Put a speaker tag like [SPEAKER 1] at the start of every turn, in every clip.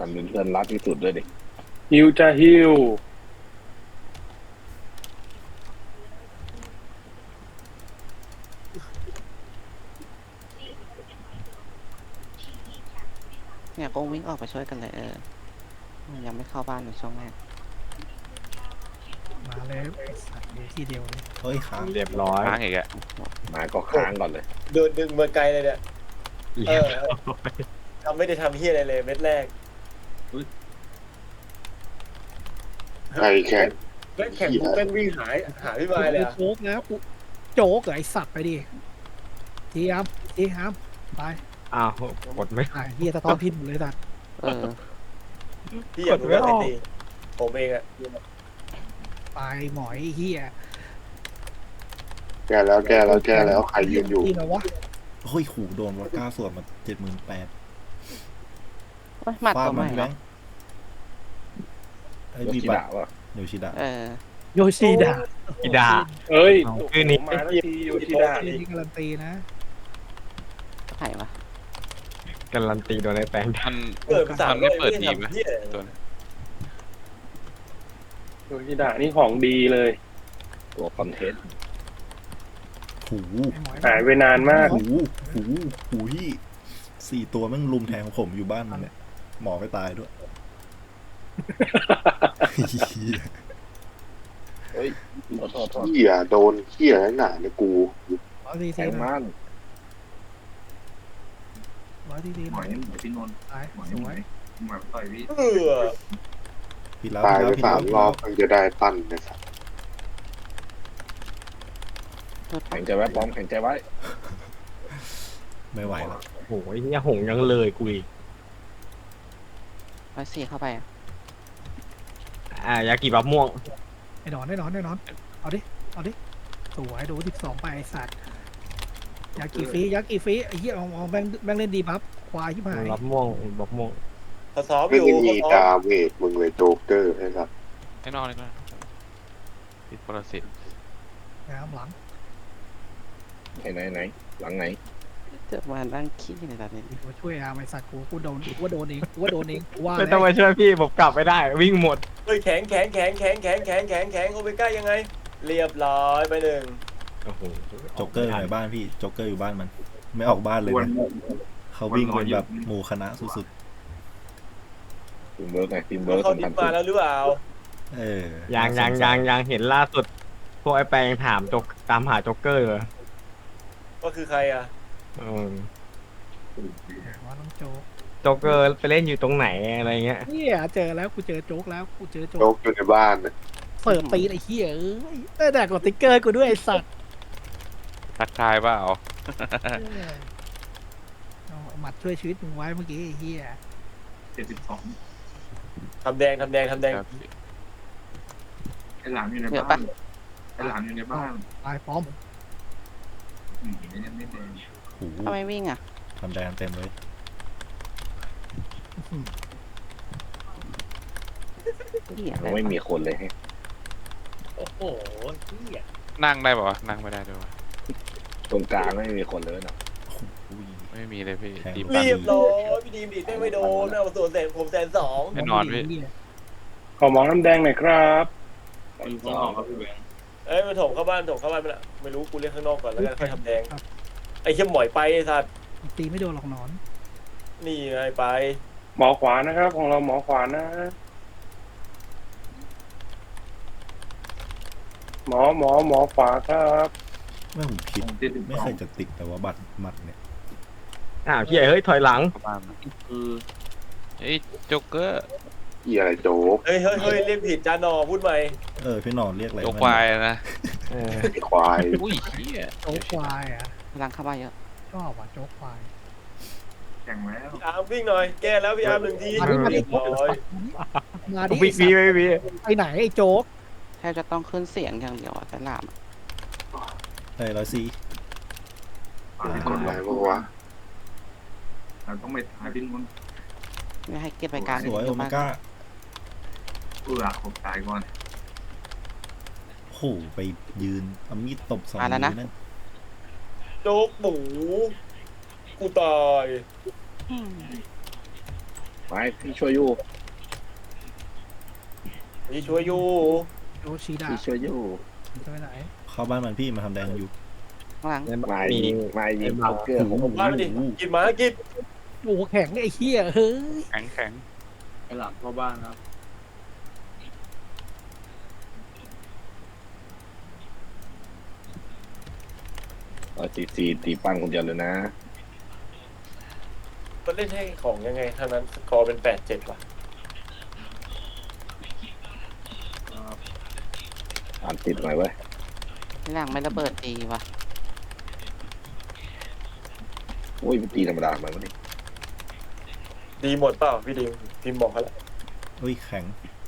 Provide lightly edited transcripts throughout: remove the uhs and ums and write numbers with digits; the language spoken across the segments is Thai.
[SPEAKER 1] ทำเป็นเพื่อนรักที่สุดด้วยดิ
[SPEAKER 2] ฮิวจะฮิว
[SPEAKER 3] เนี่ยกงวิ่งออกไปช่วยกันเลยยังไม่เข้าบ้านในช่วงแรก
[SPEAKER 4] มาเลยไอ้สัตว์อยู่ที่เดียวเลย
[SPEAKER 5] เฮ้ยค้าง
[SPEAKER 6] เรียบร้อย
[SPEAKER 7] ค้างอีกอะ
[SPEAKER 1] มาก็ค้างก่อนเลย
[SPEAKER 8] โดนดึงมาไกลเลยเนี่ย
[SPEAKER 6] เรียบร้อย
[SPEAKER 8] ทำไม่ได้ทำเฮียอะไรเลยเม็ดแรก
[SPEAKER 1] ใครแข่ง
[SPEAKER 8] แม่งแข่งปุ๊บแม่งวิ่งหาพี่มายเลยอะ
[SPEAKER 4] โจ๊กแล้วกูโจ๊กเหรอไอ้สัตว์ไปดิทีอัพทีอัพไป
[SPEAKER 6] อ้าวกดไม่
[SPEAKER 4] ไอ้เฮียสะท้อนพิษหมดเลยสัตว์
[SPEAKER 3] เออ
[SPEAKER 8] พี่อยากรู้ว่าใครตีผมเองอะ
[SPEAKER 4] ไปหมอยไอ้เฮีย
[SPEAKER 1] แกแล้วใครยืนอยู่
[SPEAKER 4] ที่ไหนวะ
[SPEAKER 5] เฮ้ยขู่โดนวอดก้าส่วนมา78,000
[SPEAKER 3] หมัด
[SPEAKER 5] ฟาด
[SPEAKER 3] ตัวให
[SPEAKER 5] มั
[SPEAKER 3] ม่
[SPEAKER 5] น
[SPEAKER 3] เหร
[SPEAKER 5] แบ
[SPEAKER 3] อง
[SPEAKER 5] ค์ไอ้
[SPEAKER 1] โย
[SPEAKER 5] มี
[SPEAKER 1] ชิ
[SPEAKER 5] บัต
[SPEAKER 1] ดะ
[SPEAKER 5] ร
[SPEAKER 1] วะ
[SPEAKER 5] โยชิดะ
[SPEAKER 3] เออ
[SPEAKER 4] โยชิดะ
[SPEAKER 6] อีดา
[SPEAKER 2] เอ้ย
[SPEAKER 6] เอา
[SPEAKER 2] ชื่อนี้มาแล้วทีโยชิดะ
[SPEAKER 4] นี่การันตีนะ
[SPEAKER 3] ใครวะ
[SPEAKER 6] การันตีโดนไอ้แปลง
[SPEAKER 7] มัน
[SPEAKER 8] เปิดสาม
[SPEAKER 7] มันไม่เปิดทีม
[SPEAKER 8] ไห
[SPEAKER 7] อะ
[SPEAKER 8] เฮีย
[SPEAKER 7] ตัวนี้
[SPEAKER 2] โยชิดะนี่ของดีเลย
[SPEAKER 1] ตัวคอนเทนต์
[SPEAKER 5] หู
[SPEAKER 4] ไอ้หมอย
[SPEAKER 2] หายไปนานมาก
[SPEAKER 5] หูพี่4 ตัวแม่งลุมแทงผมอยู่บ้านมันเนี่ยหมอไปตายด้วยเหี้ย
[SPEAKER 1] เฮ้ยโทษเหี้ยโดนเหี้ยหนาเนี่ยกู
[SPEAKER 4] ร้อยที
[SPEAKER 1] แท
[SPEAKER 4] ที
[SPEAKER 1] ง
[SPEAKER 4] นะ
[SPEAKER 1] มัน
[SPEAKER 4] ร้อยทีทีนะไปสวย
[SPEAKER 8] เออ
[SPEAKER 5] พี่แล้ว
[SPEAKER 1] ตายไป
[SPEAKER 5] พี่
[SPEAKER 1] 3 ร
[SPEAKER 5] แล้
[SPEAKER 1] อ
[SPEAKER 5] ว
[SPEAKER 1] บมันจะได้ปั้นนะครับแข่งใจไว้ป้อมแข่งใจไว้
[SPEAKER 5] ไม่ไหวแล้ว
[SPEAKER 6] โอ้ยเนี่ยหงยังเลยกูอีก
[SPEAKER 3] 104เข้าไปอะ
[SPEAKER 6] ยากิบับม่วง
[SPEAKER 4] ไอ้หนอนเอาดิสวยโดน12ไปไอ้สัตว์ยากี่ฟรีไอ้เหี้ยเอาแบงเล่นดีบัฟควายที่หาย
[SPEAKER 6] บับม่วงบับม่วง
[SPEAKER 8] เขาซ้อมอ
[SPEAKER 1] ไม่
[SPEAKER 8] ยู่
[SPEAKER 1] ได้มี
[SPEAKER 8] เขาซ้อ
[SPEAKER 1] ดาม เมจมึงเลยโจ๊กเกอร์นะครับ
[SPEAKER 7] ให้นอกเลยก็ได้ติดปรสิต
[SPEAKER 4] น้ำหลัง
[SPEAKER 1] ไหนหลังไหน
[SPEAKER 3] เจอมานั่งขี้ในตอนนี้
[SPEAKER 4] มาช่วยอาไอ้สัตว์กูโดนเองกูว่าโดนเองว่า
[SPEAKER 6] ไม่
[SPEAKER 4] แล้
[SPEAKER 6] ต้อง
[SPEAKER 4] ว
[SPEAKER 6] มาช่วยพี่ผมกลับไม่ได้ วิ่งหมด
[SPEAKER 8] เฮ้ยแข็งโอเมก้ายังไง เรียบร้อยไปหนึ่ง
[SPEAKER 6] โอ้โห
[SPEAKER 5] โจ๊กเกอร์อยู่ในบ้านพี่โจ๊กเกอร์อยู่บ้านมัน ไม่ออกบ้านเลยนะเขาวิ่งเป็นแบบหมู่คณะสุด
[SPEAKER 1] ทีมเวิร์กไงทีม
[SPEAKER 8] เขา
[SPEAKER 1] เวิร์ก
[SPEAKER 8] เขาดิบมาแล้วหรือเปล่า
[SPEAKER 5] ๆ
[SPEAKER 6] ยังเห็นล่าสุด พวกไอ้แปลงถามตามหาโจ๊กเกอร์เลย
[SPEAKER 8] ว่าคือใครอะ
[SPEAKER 4] ว่าน้องโจ๊ก
[SPEAKER 6] โจ๊กเกอร์ไปเล่นอยู่ตรงไหนอะไรเงี้ย
[SPEAKER 4] เนี่ยเจอแล้วกูเจอโจ๊กแล้วกูเจอโจ๊
[SPEAKER 1] โจ๊
[SPEAKER 4] ก
[SPEAKER 1] กอยู่ในบ้านนะ
[SPEAKER 4] เสิร์ฟตีนไอ้เหี้ยเอ้ยแต่กดติ๊กเกอร์กูด้วยไอ้สัตว์
[SPEAKER 7] ทักทายเปล่า
[SPEAKER 4] เอาหมัดช่วยชีวิตมึงไว้เมื่อกี้ไอ้เหี้ย
[SPEAKER 8] ทำแดง
[SPEAKER 7] ครับ
[SPEAKER 9] ไอ้หลานอยู่ใน
[SPEAKER 3] เยอะ
[SPEAKER 9] บ้า
[SPEAKER 3] ปะ
[SPEAKER 9] นไอ้หลานอยู่ในบ้าน
[SPEAKER 4] ตายป้อม
[SPEAKER 9] ไม่ได้ไม่แดง
[SPEAKER 5] หู
[SPEAKER 3] ทำไมวิ่งอ่ะ
[SPEAKER 5] ทำแดงเต็มเลย
[SPEAKER 3] เหี้ยอะไร
[SPEAKER 1] ไม่มีคนเลย
[SPEAKER 8] โอ้โหเฮีย
[SPEAKER 7] นั่งได้ป่าวะนั่งไม่ได้ด้วยวะ
[SPEAKER 1] ตรงกลางไม่มีคนเลยนะ
[SPEAKER 5] อุ้ย
[SPEAKER 7] ไม่มีเลยพี่
[SPEAKER 5] แข่ง
[SPEAKER 7] ดี
[SPEAKER 8] เรียบร้อยพี่ดีมดีดไม่โดนเอาส่วนแสนผม102,000
[SPEAKER 7] แน่นอนพี่
[SPEAKER 2] ขอหมอน้ำแดงหน่อยครับ
[SPEAKER 9] อยู่ข้างนอกครับพี่แบงค์
[SPEAKER 8] เอ้ยมันถมเข้าบ้านไปละไม่รู้กูเรียกข้างนอกก่อนแล้วกันค่อยทำแดงไอ้เขี้ยหมอยไปไอ้สัตว์
[SPEAKER 4] ตีไม่โดนหรอกหนอน
[SPEAKER 8] นี่ไงไป
[SPEAKER 2] หมอขวานะครับ ของเราหมอขวานะ หมอขวาครับ
[SPEAKER 5] แม่ผมคิด
[SPEAKER 9] ผมติด
[SPEAKER 5] ไม่เคยจะติดแต่ว่าบัตรหมัดเนี่ย
[SPEAKER 6] เฮียเฮ้ยถอยหลัง
[SPEAKER 7] เข้าบ้านมา
[SPEAKER 9] คือ
[SPEAKER 7] เฮ้ยโจ๊กเกอร์
[SPEAKER 1] เหี้ยอะไรโจ๊ก
[SPEAKER 8] เฮ้ยเรียกผิดจานอพูดใหม่
[SPEAKER 5] พี่หนอนเรียกอะไร
[SPEAKER 7] โจ๊กควายนะ
[SPEAKER 6] เออ
[SPEAKER 1] ไอ้ควาย
[SPEAKER 7] อุ้ยเฮีย
[SPEAKER 4] โจ๊กควายอ่ะ
[SPEAKER 3] พลังเข้าบ้านเยอะ
[SPEAKER 4] ชอบว่ะโจ๊กควาย
[SPEAKER 9] แข่งแล้ว
[SPEAKER 8] พี่อาร์มวิ่งหน่อยแก้แล้วพี่อาร์ม1 ที
[SPEAKER 4] มาดิ
[SPEAKER 8] เรียบร้อย
[SPEAKER 4] มาดิ
[SPEAKER 6] วิกวี
[SPEAKER 4] ไปไหนไอ้โจ๊ก
[SPEAKER 3] แทบจะต้องขึ้นเสียงอย่างเดียวอะแต่ลามอะ
[SPEAKER 5] 104
[SPEAKER 1] กดอะไรบ้างวะ
[SPEAKER 9] เราต้องไปหาที่นู้น
[SPEAKER 3] ไม่ให้เก็บไปกลาง
[SPEAKER 5] สวย
[SPEAKER 3] เย
[SPEAKER 5] โอ
[SPEAKER 3] อะ
[SPEAKER 5] เม
[SPEAKER 3] มาก
[SPEAKER 5] ก้า
[SPEAKER 9] ผมตายก่อน
[SPEAKER 5] โหไปยืนเอามีดตบ2
[SPEAKER 3] มาแล้วนะ
[SPEAKER 5] มือนั่น
[SPEAKER 8] โจ๊กหมูกูตาย
[SPEAKER 3] อืม
[SPEAKER 1] ไปพี่ช่วยอยู่
[SPEAKER 8] นี่ช่วยอยู่
[SPEAKER 4] โยชิดะ
[SPEAKER 1] พี่ช่วยอยู่
[SPEAKER 4] จะไปไหน
[SPEAKER 5] เข้าบ้านมันพี่มาทำแดงกันอยู่
[SPEAKER 3] ข้างหลัง
[SPEAKER 1] ไม่
[SPEAKER 6] มี
[SPEAKER 1] ไม่ยิงโจ๊กเกอร์ผม
[SPEAKER 8] มาดิกินหมากิน
[SPEAKER 4] โอ้โหแข็งไอ้เหี้ยเฮ้ย
[SPEAKER 7] แข็งแข็ง
[SPEAKER 9] ไปหลังเข้าบ้านครับ
[SPEAKER 1] ตีตีปั้นคนเดียวเลยนะ
[SPEAKER 8] มันเล่นให้ของยังไงเท่านั้นสกอร์เป็น8-7ว่ะ
[SPEAKER 1] อ่านติดหน่อยเว้ย
[SPEAKER 3] ข้างหลังไม่ระเบิดดีว่ะ
[SPEAKER 1] โอ้ยตีธรรมดามันวะนี่
[SPEAKER 8] ดีหมดเปล่าพี่ดิมพิมพ์บอกเขาแล้ว
[SPEAKER 5] อุ้ยแข็ง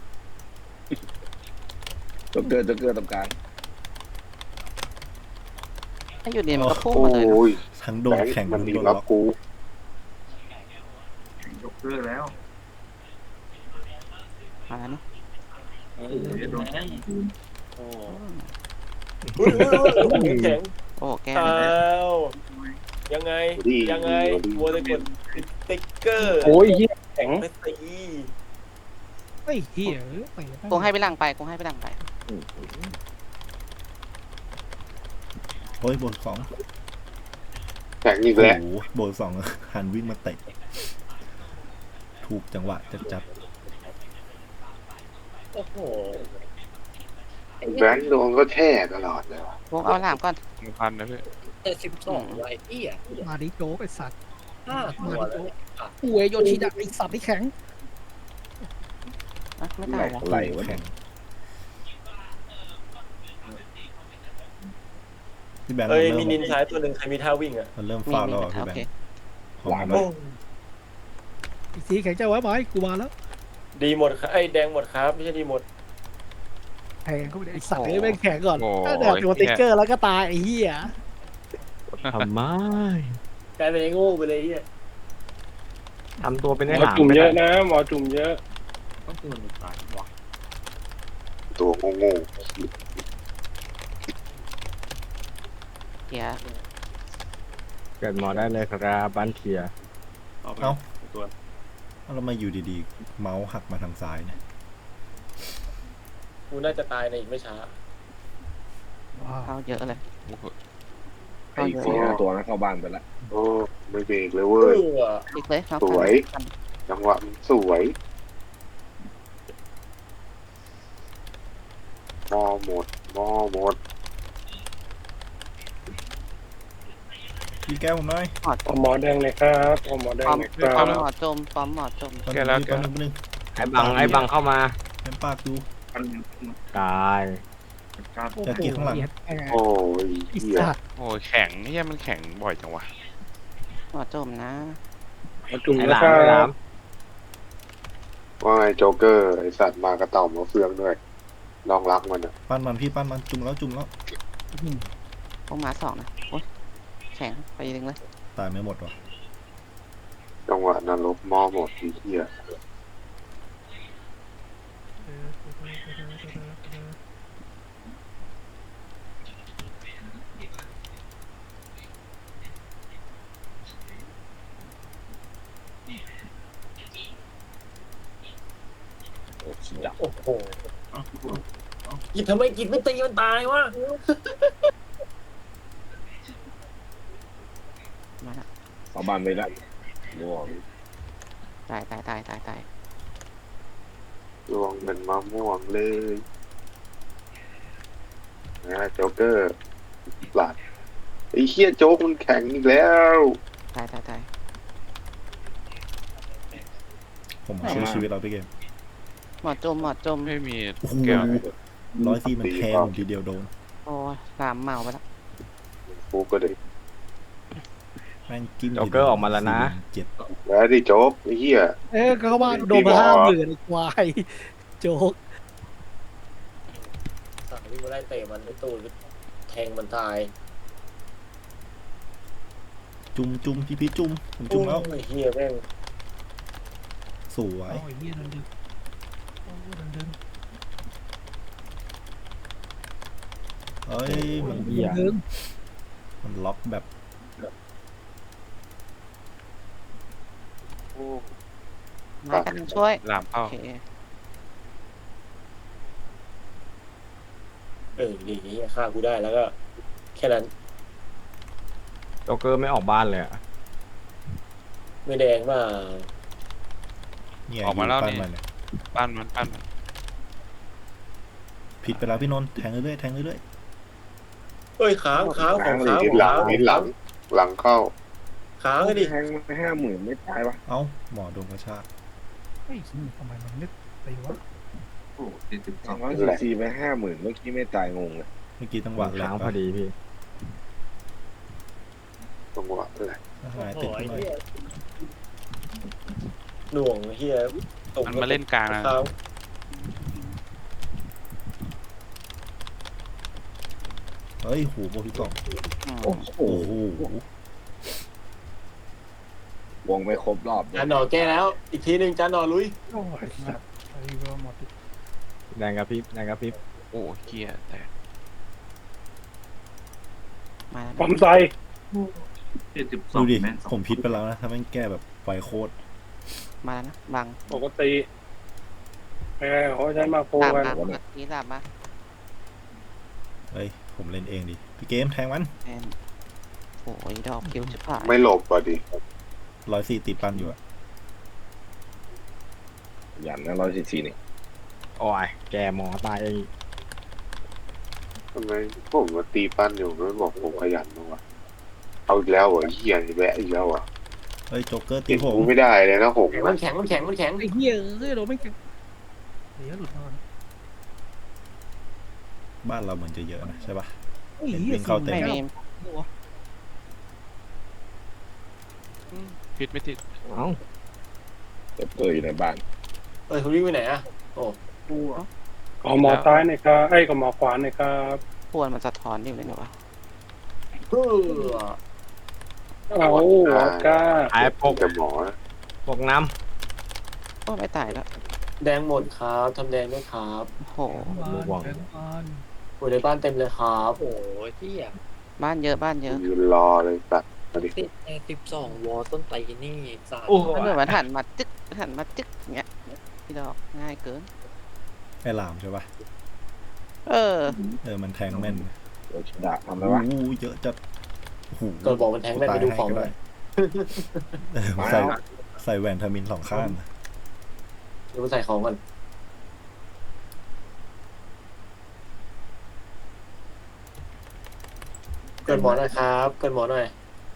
[SPEAKER 1] โจ๊กเกอร์ตรงกลาง
[SPEAKER 3] ถ้าอยู่ดีมันก็พุ่ง
[SPEAKER 1] โอ้
[SPEAKER 3] มาเลยเนอะ
[SPEAKER 1] ย
[SPEAKER 5] ทั้งโดนแข็ง
[SPEAKER 1] มัน
[SPEAKER 5] ทั้ง
[SPEAKER 1] มี
[SPEAKER 5] โดน
[SPEAKER 1] ล็
[SPEAKER 5] ล็
[SPEAKER 1] อ
[SPEAKER 5] อก ก
[SPEAKER 1] กู
[SPEAKER 9] ยกเลิกแล้ว
[SPEAKER 3] มาแล้วเนอะ
[SPEAKER 9] โดนแข้ง
[SPEAKER 8] อุ้ยแข็ง
[SPEAKER 3] โอ้แก้
[SPEAKER 8] อ้าวยังไงยังไงวัวตะกดสติ๊กเกอร์
[SPEAKER 2] โอ้ยเหี้ยแข็ง
[SPEAKER 8] ไม่ตี
[SPEAKER 4] ไอ้เหี้ยไป
[SPEAKER 3] กูให้ไปหลังไปกูให้ไปหลังไป
[SPEAKER 5] โอ้ยโบนสอง
[SPEAKER 1] แข็งอีก
[SPEAKER 5] โอ้
[SPEAKER 1] แล้ว
[SPEAKER 5] โหโบนสองหันวิ่งมาเตะถูกจังหวะจัด
[SPEAKER 8] โอ้โห
[SPEAKER 1] แบงค์โดนก็แช่ตลอดเลยวะ
[SPEAKER 3] พวกเอาหลามก่อน
[SPEAKER 7] พันนะพี่
[SPEAKER 4] มาดิโจ๊กไอ้สัตว์
[SPEAKER 8] ห้า
[SPEAKER 4] มา
[SPEAKER 8] ตัว
[SPEAKER 4] ดิ
[SPEAKER 8] เลย
[SPEAKER 4] โจ๊กป่วยโยชิดะไอ้สัตว์ที่แข็ง
[SPEAKER 3] อ่ะไม่
[SPEAKER 1] ไหล
[SPEAKER 3] ตายวะ
[SPEAKER 1] ไหล
[SPEAKER 5] ๆ
[SPEAKER 1] วะ
[SPEAKER 5] แข็งพี่แบงค์
[SPEAKER 8] เอ้ย
[SPEAKER 5] มัน
[SPEAKER 8] มี
[SPEAKER 5] เริ่
[SPEAKER 8] นิ
[SPEAKER 5] ม
[SPEAKER 8] นซ้ายตัวหนึ่งใครมีท่าวิ่งอ่ะ
[SPEAKER 5] มันเริ่ม
[SPEAKER 3] มี
[SPEAKER 5] ฟาวแล้ว
[SPEAKER 3] มี
[SPEAKER 5] อ่ะพี่
[SPEAKER 3] โอ
[SPEAKER 5] แบง
[SPEAKER 3] เค
[SPEAKER 5] ค์ของมัน
[SPEAKER 8] โอ้
[SPEAKER 4] อีกทีแข็งจะไว้ไหมกูมาแล้ว
[SPEAKER 8] ดีหมดครับไอ้แดงหมดครับไม่ใช่ดีหมด
[SPEAKER 4] แข็งก็ไม่ได้ไอ้สัตว์เลยแม่งแข็งก่อน
[SPEAKER 7] โอ้
[SPEAKER 4] ถ้าเดี๋ยวตัวติ๊กเกอร์แล้วก็ตายไอ้เหี้ย
[SPEAKER 6] ทำไม
[SPEAKER 8] กลายเป็นไอ้โง่ไปเลยที่
[SPEAKER 6] ทำตัวเป็น
[SPEAKER 2] หม
[SPEAKER 6] ไอ้
[SPEAKER 2] อ
[SPEAKER 6] หลาม
[SPEAKER 2] จุ่ม
[SPEAKER 6] ไป
[SPEAKER 2] เย
[SPEAKER 6] ได้
[SPEAKER 2] อะนะหมอจุ่มเยอะ
[SPEAKER 9] ต้องตัวหนึ่งตายวะ
[SPEAKER 1] ตัวโง่
[SPEAKER 3] เกียร์
[SPEAKER 6] เกิดหมอได้เลยครับบ้านเทีย
[SPEAKER 9] เอาไปตัว
[SPEAKER 5] แล้วมาอยู่ดีๆ เมาส์หักมาทางซ้ายเนี่ย
[SPEAKER 8] กูน่าจะตายในอีกไม่ช้า
[SPEAKER 4] ว้าว
[SPEAKER 3] เข้าเยอะเลย
[SPEAKER 1] ๆไอ้4-5ตัวนั้นเข้าบ้านไปละโอ้ไม่เบรกเลย
[SPEAKER 8] เอ
[SPEAKER 1] เว้ย
[SPEAKER 8] อ
[SPEAKER 3] อีกเลยเอา
[SPEAKER 1] สวย
[SPEAKER 3] กัน
[SPEAKER 1] จังหวะมันสวยหม้อหมด
[SPEAKER 5] พี่แก้วผมหน่อย
[SPEAKER 2] เอาหมอแดงเลยครับเอาหมอแดง
[SPEAKER 3] ปอม
[SPEAKER 2] เลยค
[SPEAKER 3] ป
[SPEAKER 2] รั
[SPEAKER 3] อบ มหมอจมปอมหมอจม
[SPEAKER 5] แป๊บนึง
[SPEAKER 6] ไอ้บังเข้ามา
[SPEAKER 5] เต็มปากดู
[SPEAKER 9] กัน
[SPEAKER 6] ตาย
[SPEAKER 9] การ
[SPEAKER 4] โอ้โห
[SPEAKER 5] อยากกินข้างหลัง
[SPEAKER 4] เหี้ยแข็ง
[SPEAKER 1] โอ้ย
[SPEAKER 4] ไอ้
[SPEAKER 1] เหี้ย
[SPEAKER 4] สัตว์
[SPEAKER 7] โอ้ยแข็งเนี่ยมันแข็งบ่อยจังวะ
[SPEAKER 3] หมอจมนะ
[SPEAKER 2] หมอจุ่ม
[SPEAKER 6] ไอ้
[SPEAKER 2] นะ
[SPEAKER 6] หลาม
[SPEAKER 2] ค
[SPEAKER 6] ไอ้ห
[SPEAKER 2] รั
[SPEAKER 6] ลา
[SPEAKER 2] บ
[SPEAKER 6] ม
[SPEAKER 1] ว่าไงโจ๊กเกอร์ไอสัตว์มากระต่อมมาเฟืองด้วยลองรักมันอ่ะ
[SPEAKER 5] ปั้นมันพี่ปั้นมันจุ่มแล้ว
[SPEAKER 3] พวกหมาสองนะโอ๊ยแข็งไปดึงเลย
[SPEAKER 5] ตายไม่หมดว่ะ
[SPEAKER 1] จังหวะนรกหม้อหมดที่เหี้ยโอ้ชิดะ
[SPEAKER 8] โอ้โหกินทำไมกินไม่ตีมันตายวะ
[SPEAKER 3] มาละ
[SPEAKER 1] เข้าบ้านไปละร่วง
[SPEAKER 3] ตาย
[SPEAKER 1] ร่วงเป็นมะม่วงเลยนะโจ๊กเกอร์หลัดไอ้เหี้ยโจ๊กมันแข็งอีกแล้ว
[SPEAKER 3] ตาย
[SPEAKER 5] ผมช่วยชีวิตเราไปเกม
[SPEAKER 3] หมอจม
[SPEAKER 7] ไม่มี
[SPEAKER 5] โอ้โห
[SPEAKER 7] แก้ว
[SPEAKER 5] 104มันแทงผมทีเดียวโดน
[SPEAKER 3] โอ้ยหลามเมาไปละ
[SPEAKER 1] กูก็เลย
[SPEAKER 5] แม่งกิ้ม
[SPEAKER 6] โจ๊กเกอร์ออกมาแล้วนะ
[SPEAKER 5] เจ็ด
[SPEAKER 1] แล้วดิโจ๊กไอ้เหี้ย
[SPEAKER 4] ก็เข้าบ้านโดนมา50,000ไอ้ควายโจ๊ก
[SPEAKER 8] สั่งวิ่งมาไล่เตะมันไอ้ตูนแทงมันตาย
[SPEAKER 5] จุ่มพี่จุ่มผมจุ่มแล้ว
[SPEAKER 8] โอ้ยเฮียแม่ง
[SPEAKER 5] สวย
[SPEAKER 4] โอ้ยเหี้ยโดนดึงโอ้ยโดนดึง
[SPEAKER 5] เอ้ยมัน
[SPEAKER 6] เหี้ย
[SPEAKER 4] ดึง
[SPEAKER 5] มันล็อกแบบ
[SPEAKER 1] โอ้
[SPEAKER 3] มากันช่วย
[SPEAKER 7] หลาม
[SPEAKER 3] โอ
[SPEAKER 7] เข้า
[SPEAKER 3] เค
[SPEAKER 8] ดีฆ่ากูได้แล้วก็ แค่นั้น
[SPEAKER 6] โจ๊กเกอร์ไม่ออกบ้านเลยอะ
[SPEAKER 8] ไม่แดงมา
[SPEAKER 5] เนี่ย
[SPEAKER 7] ออกมาแล้ว
[SPEAKER 5] ยู่
[SPEAKER 7] นี่
[SPEAKER 5] ปั้นมันเนี่ย
[SPEAKER 7] ปั้นมันปั้นมัน
[SPEAKER 5] ผิดไปแล้วพี่นนท์แทงเรื่อยๆแทงเรื่อย
[SPEAKER 8] เอ้ยค้างของค้าง
[SPEAKER 1] ทิศหลังทิศหลังหลังเข้า
[SPEAKER 8] ค้างเลยดิ
[SPEAKER 2] แทงไป50,000ไม่ตายวะ
[SPEAKER 5] ๆเอ้าหมอโดนกระชาก
[SPEAKER 4] เฮ้ยทำไมมันไม่ตีวะ
[SPEAKER 9] โอ้72
[SPEAKER 2] 244ไป50,000เมื่อกี้ไม่ตายงงเลย
[SPEAKER 5] เมื่อกี้จังหวะแร
[SPEAKER 6] ค้าง งพอดีพี่
[SPEAKER 1] จังหวะเลย
[SPEAKER 5] หายติดขึ้นหน่อย
[SPEAKER 8] หน่วงเฮียตก
[SPEAKER 7] มันมาเล่นกลางนะ
[SPEAKER 8] ค้าง
[SPEAKER 5] เฮ้ยหูโบพี่กล่อง
[SPEAKER 3] อืม
[SPEAKER 2] โอ้โห
[SPEAKER 5] โอ้โห
[SPEAKER 2] วงไม่ครบรอบ
[SPEAKER 8] จานหนอแก้แล้ว อีกทีหนึ่งจานหนอลุย
[SPEAKER 4] โอ้ยสัตว์ไอ้เวลหมด
[SPEAKER 6] แดงกระพริบแดงกระพริบ
[SPEAKER 7] โอ้เกียแต่
[SPEAKER 3] มาแล้ว
[SPEAKER 2] ผมใส่
[SPEAKER 5] ดูดิ
[SPEAKER 9] 72แม่ง
[SPEAKER 5] ผมผิดไปแล้วนะถ้าแม่งแก้แบบไวโคตร
[SPEAKER 3] มาแล้วนะบัง
[SPEAKER 2] ปกติเขาใช้มาโฟ
[SPEAKER 3] ดาบ
[SPEAKER 2] กัน
[SPEAKER 3] มานี่ดาบมา
[SPEAKER 5] เฮ้ยผมเล่นเองดิพี่เกมแทงมัน
[SPEAKER 3] แอนโอ้ยดอกคิวจะผ่าน
[SPEAKER 1] ไม่หลบอ่ะดิ
[SPEAKER 5] 104ติดปั้นอยู่อะ
[SPEAKER 2] ยันนะ144นี่
[SPEAKER 6] โอ้ยแกหมอตายเอง
[SPEAKER 1] ทำไมผมมาตีปั้นอยู่ไม่บอกผมขยันบ้างวะเอาอีกแล้วเหรอเหี้ยแวะอีกแล้วอ่ะ
[SPEAKER 5] เฮ้ยโจ๊กเกอร์ตี
[SPEAKER 1] ติด
[SPEAKER 5] ผม
[SPEAKER 1] กูไม่ได้เลยนะผม
[SPEAKER 8] มันแข็งมันแข็งมันแข็ง
[SPEAKER 4] ไอ้เหี้ยเอ้ยโดนไม่แข็งเดี๋ยวหลุดนอน
[SPEAKER 5] บ้านเราเหมือนจะเยอะนะใช่ปะ
[SPEAKER 4] ไอ้เหี้ย
[SPEAKER 5] วิ่งเข้าเต็
[SPEAKER 3] ไม่มี
[SPEAKER 7] พิษไม่ติด
[SPEAKER 6] เอ้า
[SPEAKER 2] อยู่ในบ้าน
[SPEAKER 8] คุณวิ่งไปไหนอ่ะ
[SPEAKER 2] ขอหมอซ้ายหน่อยครับขอหมอขวาหน่อยครับ
[SPEAKER 3] ควรมันสะท้อนอยู่เลยนะวะ
[SPEAKER 2] เอาก้า
[SPEAKER 6] หายปก
[SPEAKER 1] แต่หมอนะ
[SPEAKER 6] ปกน้
[SPEAKER 3] โอ้ไม่ตายแล้ว
[SPEAKER 8] แดงหมดครับทำแดงด้วยครับ
[SPEAKER 3] โอ้โห
[SPEAKER 4] บ้าน
[SPEAKER 8] อยู่ในบ้านเต็มเลยครับ
[SPEAKER 3] บ้านเยอะบ้านเยอะ
[SPEAKER 1] ยืนรอเลยตัดมาดิ
[SPEAKER 10] 12 วอต้นไตรนี่สาด
[SPEAKER 6] ำโอ้
[SPEAKER 3] มันเหมือนมันหันมาจึ๊กหันมาจึ๊กเงี้ยพี่ดอกง่ายเกิน
[SPEAKER 5] ไอ้หลามใช่ปะ
[SPEAKER 3] เออ
[SPEAKER 5] มันแทงแม่น
[SPEAKER 2] ดาบทำ
[SPEAKER 5] โอ้
[SPEAKER 2] ไมวะ
[SPEAKER 5] โหเยอะจัดโอ้โห
[SPEAKER 8] ก็บอกมันแทงแม่นไปดูของหน่อย
[SPEAKER 5] ใส่แหวนทามิน2 ข้าง
[SPEAKER 8] ดูมันใส่ของก่อนเกิดหมอหน่อยครับเกิดหมอหน่อย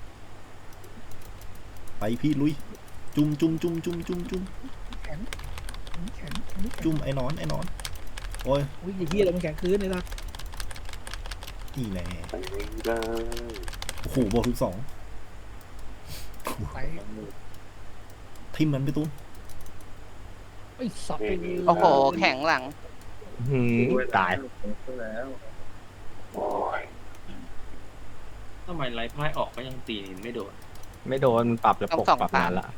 [SPEAKER 5] ไปพี่ลุย จุ่มจุ่มจุ่มจุ่มจุ่มจุ่ม
[SPEAKER 4] แข็ง
[SPEAKER 5] จุ่มไอ้นอนโอ้ย
[SPEAKER 4] อุ้ยไอ้เหี้ยโดนมันแข็งคืนเลยนะ
[SPEAKER 5] นี่แน่
[SPEAKER 1] ไปไม่ได้
[SPEAKER 5] โอ้โหโบทุก2
[SPEAKER 4] ไป
[SPEAKER 5] ทิมมันไปตุ้น
[SPEAKER 4] ไอ้สับไปเลย
[SPEAKER 3] โอ้โหแข็งหลัง
[SPEAKER 6] หืมตาย
[SPEAKER 1] โอ้ย
[SPEAKER 9] ทำไมไล่พ่ายออกก็ยังตีไม่โดน
[SPEAKER 6] ไม่โดนมันปรับแล้วปก
[SPEAKER 3] ต้องส่อง
[SPEAKER 6] ปรับ
[SPEAKER 3] ตาม
[SPEAKER 6] นานละ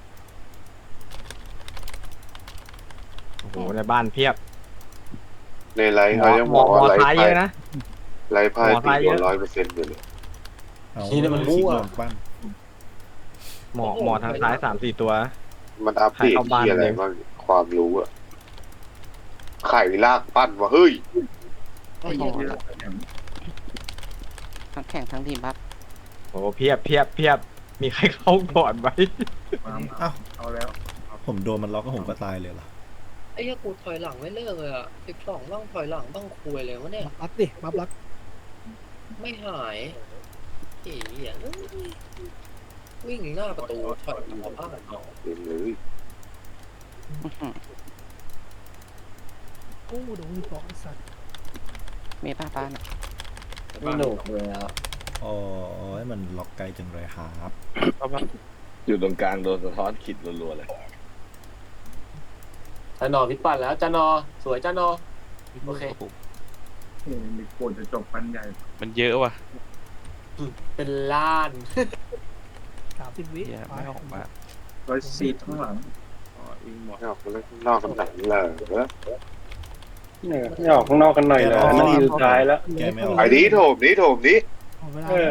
[SPEAKER 6] โอ้โหในบ้านเพียบ
[SPEAKER 1] ในไลฟ์เขายัง
[SPEAKER 6] หม
[SPEAKER 1] บ
[SPEAKER 6] อ
[SPEAKER 1] อก
[SPEAKER 6] หมอ
[SPEAKER 1] ว่าไล
[SPEAKER 6] ตาย
[SPEAKER 1] ฟ์
[SPEAKER 6] เย
[SPEAKER 1] ไพ่
[SPEAKER 6] อะนะ
[SPEAKER 1] ไลฟ์ไพ่
[SPEAKER 6] หมอ
[SPEAKER 1] ตี
[SPEAKER 6] ตาย
[SPEAKER 1] โด
[SPEAKER 6] เย
[SPEAKER 1] น
[SPEAKER 6] อะ
[SPEAKER 1] 100%อยู่เลย
[SPEAKER 5] เอา
[SPEAKER 8] นี่มันมั่ว
[SPEAKER 5] คลิกลงบ้าน
[SPEAKER 6] หมอทางซ้าย3-4 ตัว
[SPEAKER 1] มันอัปเดต
[SPEAKER 6] ให้เข้าบ้าน
[SPEAKER 1] ที่อะไร
[SPEAKER 6] เลย
[SPEAKER 1] บ้างความรู้อะไข่ลากปั้นวะเฮ้ย
[SPEAKER 3] โอ้โหทั้งแข่งทั้งทีมบัฟ
[SPEAKER 6] โอ้โหเพียบมีใครเข้าก่อนไหม
[SPEAKER 5] อ้าว
[SPEAKER 9] เอาแล้ว
[SPEAKER 5] ผมโดนมันล็อกก็ผมก็ตายเลยเหรอ
[SPEAKER 10] ไอ้เหี้ยกูถอยหลังไม่เลิกเลยอ่ะ 12บ้างถอยหลังบ้างคุยเลยวะเนี่ย
[SPEAKER 4] รับดิรับ
[SPEAKER 10] ไม่หายไอ้เหี้ยวิ่งหน้าประตูถอยออกบ้าน
[SPEAKER 1] เห็นเลย
[SPEAKER 3] อื้อหือ
[SPEAKER 4] โอ้โดนสองไอ้สัตว์
[SPEAKER 3] มีป้าบ้านอะ
[SPEAKER 8] ไม่หนุกเลยอ่ะ
[SPEAKER 5] อ๋อมันล็อกไกลจังเลยครับ
[SPEAKER 2] อยู่ตรงกลางโดนสะท้อนขิดรัวๆเลย
[SPEAKER 8] จานหนอพิษปั่นแล้วจานหนอสวยจานหนอโอเค
[SPEAKER 9] มีโกนจะจบปันใหญ่
[SPEAKER 7] มันเยอะว่ะ
[SPEAKER 8] เป็นล้าน
[SPEAKER 4] 30 วิ
[SPEAKER 7] เหี้ยไม่ออกมา
[SPEAKER 9] 104ข้างหลังวิ่งหมด
[SPEAKER 1] ไม่ออกมาเล่นข้างนอกกันหนังเลย
[SPEAKER 2] นี่ออกข้างนอกกันหน่อยเลยนาทีสุดท้ายแล้ว
[SPEAKER 5] แกไม่ออก
[SPEAKER 1] ไอ้นี้โถมนี้โถมนี้
[SPEAKER 4] เอาเวลา
[SPEAKER 2] เออ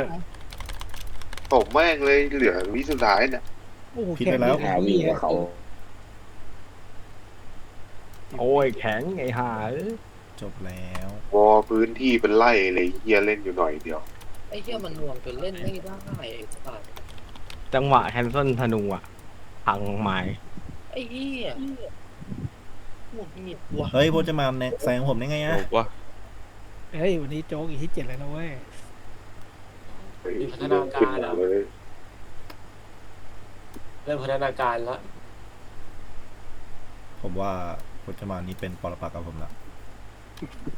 [SPEAKER 1] โถมแม่งเลยเหลือวิสุดท้ายเนี่ย
[SPEAKER 4] โอ้โห
[SPEAKER 5] ผิดไปแล้ว
[SPEAKER 4] แข็ง
[SPEAKER 2] วิ่งกับเขา
[SPEAKER 6] โอ้ยแข็งไอ้ห่า
[SPEAKER 5] จบแล้ว
[SPEAKER 1] วอพื้นที่เป็นไร่เลยเฮียเล่นอยู่หน่อยเดียว
[SPEAKER 10] ไอ้เหี้ยมันหน่วงจนเล่นไม่ได้ไอ้สัตว์
[SPEAKER 6] จังหวะแคนเซิลธนูอ่ะพังไม้
[SPEAKER 10] ไอ้เหี้ยหงุดหงิดว่ะ
[SPEAKER 5] เฮ้ยพวกจะมาแซงผมได้ไงอะ
[SPEAKER 7] ถูกว่า
[SPEAKER 4] เฮ้ยวันนี้โจ๊กอีกที่ 7เลยนะเว้ย
[SPEAKER 8] มีพัฒนาการ
[SPEAKER 1] ขึ้น
[SPEAKER 8] อ่ะ
[SPEAKER 1] เลย
[SPEAKER 8] เริ่มพัฒนาการแล้ว
[SPEAKER 5] ผมว่าพจมานนี้เป็นปรปักษ์กับผมละ